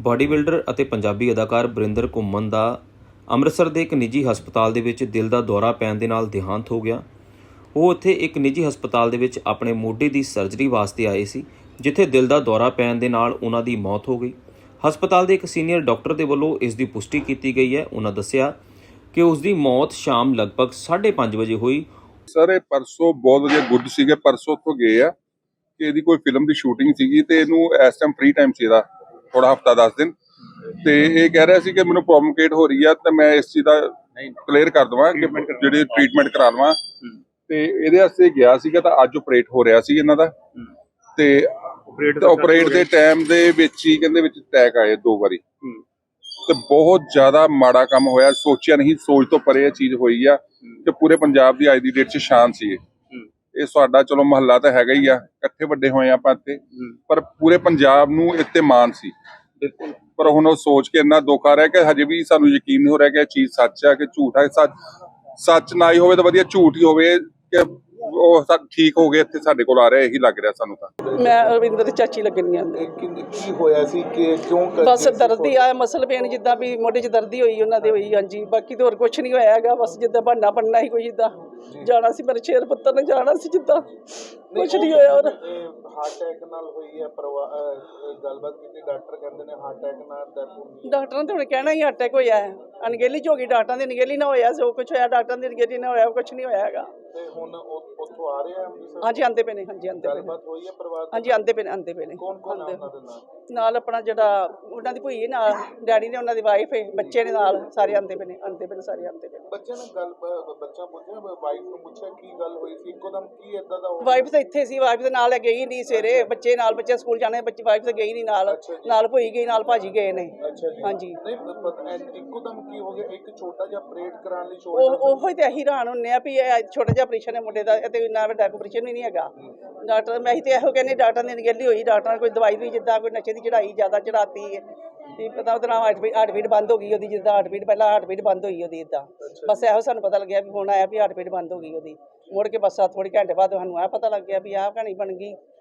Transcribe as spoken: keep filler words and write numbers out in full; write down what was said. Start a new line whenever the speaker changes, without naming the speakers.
Body builder ਅਤੇ ਪੰਜਾਬੀ ਅਦਾਕਾਰ ਬਰਿੰਦਰ ਘੁੰਮਣ ਦਾ ਅੰਮ੍ਰਿਤਸਰ ਦੇ ਇੱਕ ਨਿੱਜੀ ਹਸਪਤਾਲ ਦੇ ਵਿੱਚ ਦਿਲ ਦਾ ਦੌਰਾ ਪੈਣ ਦੇ ਨਾਲ ਦੇਹਾਂਤ ਹੋ ਗਿਆ। ਉਹ ਉੱਥੇ ਇੱਕ ਨਿੱਜੀ ਹਸਪਤਾਲ ਦੇ ਵਿੱਚ ਆਪਣੇ ਮੋਢੇ ਦੀ ਸਰਜਰੀ ਵਾਸਤੇ ਆਏ ਸੀ, ਜਿੱਥੇ ਦਿਲ ਦਾ ਦੌਰਾ ਪੈਣ ਦੇ ਨਾਲ ਉਹਨਾਂ ਦੀ ਮੌਤ ਹੋ ਗਈ। ਹਸਪਤਾਲ ਦੇ ਇੱਕ ਸੀਨੀਅਰ ਡਾਕਟਰ ਦੇ ਵੱਲੋਂ ਇਸ ਦੀ ਪੁਸ਼ਟੀ ਕੀਤੀ ਗਈ ਹੈ। ਉਹਨਾਂ ਦੱਸਿਆ ਕਿ ਉਸ ਦੀ ਮੌਤ ਸ਼ਾਮ ਲਗਭਗ ਸਾਢੇ ਪੰਜ ਵਜੇ ਹੋਈ।
ਸਰ ਇਹ ਪਰਸੋਂ ਬਹੁਤ ਵਧੀਆ ਗੁੱਡ ਸੀਗੇ, ਪਰਸੋਂ ਤੋਂ ਗਏ ਆ ਕਿ ਇਹਦੀ ਕੋਈ ਫਿਲਮ ਦੀ ਸ਼ੂਟਿੰਗ ਸੀਗੀ ਤੇ ਇਹਨੂੰ ਇਸ ਟਾਈਮ ਫ੍ਰੀ ਟਾਈਮ ਸੀ ਇਹਦਾ ਥੋੜਾ ਹਫਤਾ ਦਸ ਦਿਨ, ਤੇ ਇਹ ਕਹਿ ਰਿਹਾ ਸੀ ਕਿ ਮੈਨੂੰ ਪ੍ਰੋਬਲਮ ਕ੍ਰੀਏਟ ਹੋ ਰਹੀ ਆ ਤੇ ਮੈਂ ਇਸ ਚੀਜ਼ ਦਾ ਕਲੀਅਰ ਕਰ ਦਵਾਂ ਕਿ ਜਿਹੜੀ ਟ੍ਰੀਟਮੈਂਟ ਕਰਾ ਲਵਾਂ। ਤੇ ਇਹਦੇ ਵਾਸਤੇ ਗਿਆ ਸੀਗਾ ਤਾਂ ਅੱਜ ਆਪਰੇਟ ਹੋ ਰਿਹਾ ਸੀ ਇਹਨਾਂ ਦਾ, ਤੇ ਆਪਰੇਟ ਦੇ ਟਾਈਮ ਦੇ ਵਿੱਚ ਹੀ ਕਹਿੰਦੇ ਵਿੱਚ ਅਟੈਕ ਆਏ ਦੋ ਵਾਰੀ, ਤੇ ਬਹੁਤ ਜ਼ਿਆਦਾ ਮਾੜਾ ਕੰਮ ਹੋਇਆ। ਸੋਚਿਆ ਨਹੀਂ, ਸੋਚ ਤੋਂ ਪਰੇ ਇਹ ਚੀਜ਼ ਹੋਈ ਆ ਕਿ ਪੂਰੇ ਪੰਜਾਬ ਦੀ ਅੱਜ ਦੀ ਡੇਟ 'ਚ ਸ਼ਾਨ ਸੀ। ਇਹ ਸਾਡਾ ਚਲੋ ਮਹੱਲਾ ਤਾਂ ਹੈਗਾ ਹੀ ਆ, ਇਕੱਠੇ ਵੱਡੇ ਹੋਏ ਆ ਆਪਾਂ ਇੱਥੇ, ਪਰ ਪੂਰੇ ਪੰਜਾਬ ਨੂੰ ਇੱਥੇ ਮਾਣ ਸੀ। ਪਰ ਹੁਣ ਉਹ ਸੋਚ ਕੇ ਇੰਨਾ ਦੁੱਖ ਆ ਰਿਹਾ ਕਿ ਹਜੇ ਵੀ ਸਾਨੂੰ ਯਕੀਨ ਨਹੀਂ ਹੋ ਰਿਹਾ ਕਿ ਇਹ ਚੀਜ਼ ਸੱਚ ਹੈ ਕਿ ਝੂਠ ਹੈ। ਸੱਚ ਸੱਚ ਨਾ ਹੀ ਹੋਵੇ ਤਾਂ ਵਧੀਆ, ਝੂਠ ਹੀ ਹੋਵੇ ਕਿ ਉਹ ਸਭ ਠੀਕ ਹੋ ਗਏ ਇੱਥੇ ਸਾਡੇ ਕੋਲ ਆ ਰਿਹਾ, ਇਹੀ ਲੱਗ ਰਿਹਾ ਸਾਨੂੰ। ਤਾਂ
ਮੈਂ ਰਵਿੰਦਰ ਦੀ ਚਾਚੀ ਲੱਗਣੀ ਆ।
ਕੀ ਹੋਇਆ ਸੀ ਕਿ ਕਿਉਂ
ਬਸ ਦਰਦ ਹੀ ਆ, ਮਸਲ ਪੇਨ ਜਿੱਦਾਂ ਵੀ ਮੋਢੇ 'ਚ ਦਰਦ ਹੀ ਹੋਈ ਉਹਨਾਂ ਦੇ ਹੋਈ। ਹਾਂਜੀ, ਬਾਕੀ ਤਾਂ ਹੋਰ ਕੁਝ ਨਹੀਂ ਹੋਇਆ ਹੈਗਾ, ਬਸ ਜਿੱਦਾਂ ਬਹਾਨਾ ਬਣਨਾ ਸੀ ਕੋਈ, ਜਿੱਦਾਂ ਜਾਣਾ ਸੀ ਮੇਰੇ ਸ਼ੇਰ ਪੁੱਤਰ ਨੇ ਜਾਣਾ ਸੀ, ਜਿੱਦਾਂ ਕੁਝ ਨਹੀਂ ਹੋਇਆ। ਔਰ
ਹਾਰਟ ਅਟੈਕ ਨਾਲ ਹੋਈ ਹੈ ਗੱਲਬਾਤ ਕੀਤੀ, ਡਾਕਟਰ ਕਹਿੰਦੇ ਨੇ ਹਾਰਟ ਅਟੈਕ ਨਾਲ ਡੈਥ ਹੋਈ।
ਡਾਕਟਰਾਂ ਨੇ ਤਾਂ ਹੁਣ ਕਹਿਣਾ ਹੀ ਅਟੈਕ ਹੋਇਆ ਹੈ, ਅਣਗਹਿਲੀ 'ਚ ਹੋ ਗਈ। ਡਾਕਟਰਾਂ ਦੀ ਅਣਗਹਿਲੀ ਨਾ ਹੋਇਆ ਜੋ ਕੁਝ ਹੋਇਆ, ਡਾਕਟਰਾਂ ਦੀ ਅਣਗਹਿਲੀ ਨਾ ਹੋਇਆ, ਕੁਝ ਨਹੀਂ ਹੋਇਆ ਹੈਗਾ।
ਤੇ ਹੁਣ ਉੱਥੋਂ ਆ ਰਹੇ ਆ ਅੰਮ੍ਰਿਤਸਰ?
ਹਾਂਜੀ ਆਂਦੇ ਪਏ ਨੇ, ਹਾਂਜੀ ਆਂਦੇ ਪਏ ਨੇ।
ਗੱਲਬਾਤ ਹੋਈ ਹੈ ਪਰਿਵਾਰ?
ਹਾਂਜੀ ਆਂਦੇ ਪਏ ਨੇ, ਆਂਦੇ ਪਏ ਨੇ।
ਕੌਣ ਕੌਣ ਆਉਂਦਾ ਦੇ ਨਾਲ?
ਨਾਲ ਆਪਣਾ ਜਿਹੜਾ ਉਹਨਾਂ ਦੀ ਭੂਈ ਨਾਲ, ਡੈਡੀ ਨੇ, ਉਹਨਾਂ ਦੀ ਵਾਈਫ ਹੈ, ਬੱਚੇ ਨੇ ਨਾਲ, ਸਾਰੇ ਆਂਦੇ ਪਏ ਨੇ, ਆਂਦੇ ਪਏ ਨੇ, ਸਾਰੇ ਆਂਦੇ ਪਏ ਨੇ।
ਬੱਚੇ ਨੇ ਗੱਲ ਬੱਚਾ ਪੁੱਛਿਆ, ਵਾਈਫ ਨੂੰ ਪੁੱਛਿਆ ਕੀ ਗੱਲ ਹੋਈ ਸੀ ਇੱਕੋ ਦਮ, ਕੀ ਏਦਾਂ ਦਾ?
ਵਾਈਫ ਤਾਂ ਇੱਥੇ ਸੀ, ਵਾਈਫ ਦੇ ਨਾਲ ਗਈ ਨਹੀਂ ਸਵੇਰੇ, ਬੱਚੇ ਨਾਲ, ਬੱਚੇ ਸਕੂਲ ਜਾਣੇ, ਬੱਚੇ ਵਾਈਫ ਤਾਂ ਗਈ ਨਹੀਂ ਨਾਲ, ਨਾਲ ਭੂਈ ਗਈ, ਨਾਲ ਭਾਜੀ ਗਏ ਨੇ। ਹਾਂਜੀ,
ਨਹੀਂ ਇੱਕੋ ਦਮ ਕੀ ਹੋ ਗਿਆ? ਇੱਕ ਛੋਟਾ ਜਿਹਾ ਆਪਰੇਟ ਕਰਾਉਣ ਲਈ
ਉਹ ਉਹੋ ਹੀ ਤੇ ਅਸੀਂ ਹੈਰਾਨ ਹੁੰਦੇ ਆ ਵੀ ਇਹ ਛੋਟਾ ਜਿਹਾ ਆਪਰੇਸ਼ਨ ਹੈ ਮੁੰਡੇ ਦਾ, ਤੇ ਇੰਨਾ ਵੱਡਾ ਆਪਰੇਸ਼ਨ ਵੀ ਨਹੀਂ ਹੈਗਾ। ਡਾਕਟਰ ਮੈਂ ਹੀ ਤੇ ਇਹੋ ਕਹਿੰਦੇ, ਡਾਕਟਰ ਦੀ ਅਣਗਹਿਲੀ ਹੋਈ, ਡਾਕਟਰਾਂ ਨੇ ਕੋਈ ਦਵਾਈ ਵੀ ਜਿੱਦਾਂ ਕੋਈ ਨਸ਼ੇ ਦੀ ਚੜਾਈ ਜ਼ਿਆਦਾ ਚੜਾਤੀ ਹੈ, ਕੀ ਪਤਾ ਉਹਦੇ ਨਾਲ ਹਾਰਟ ਹਾਰਟ ਬੀਟ ਬੰਦ ਹੋ ਗਈ ਉਹਦੀ, ਜਿੱਦਾਂ ਹਾਰਟ ਬੀਟ ਪਹਿਲਾਂ ਹਾਰਟ ਬੀਟ ਬੰਦ ਹੋਈ ਉਹਦੀ, ਇੱਦਾਂ ਬਸ ਇਹੋ ਸਾਨੂੰ ਪਤਾ ਲੱਗਿਆ ਵੀ ਹੁਣ ਆਇਆ ਵੀ ਹਾਰਟ ਬੀਟ ਬੰਦ ਹੋ ਗਈ ਉਹਦੀ। ਮੁੜ ਕੇ ਬਸ ਥੋੜ੍ਹੀ ਘੰਟੇ ਬਾਅਦ ਸਾਨੂੰ ਆਹ ਪਤਾ ਲੱਗ ਗਿਆ ਵੀ ਆਹ ਕਹਾਣੀ ਬਣ ਗਈ।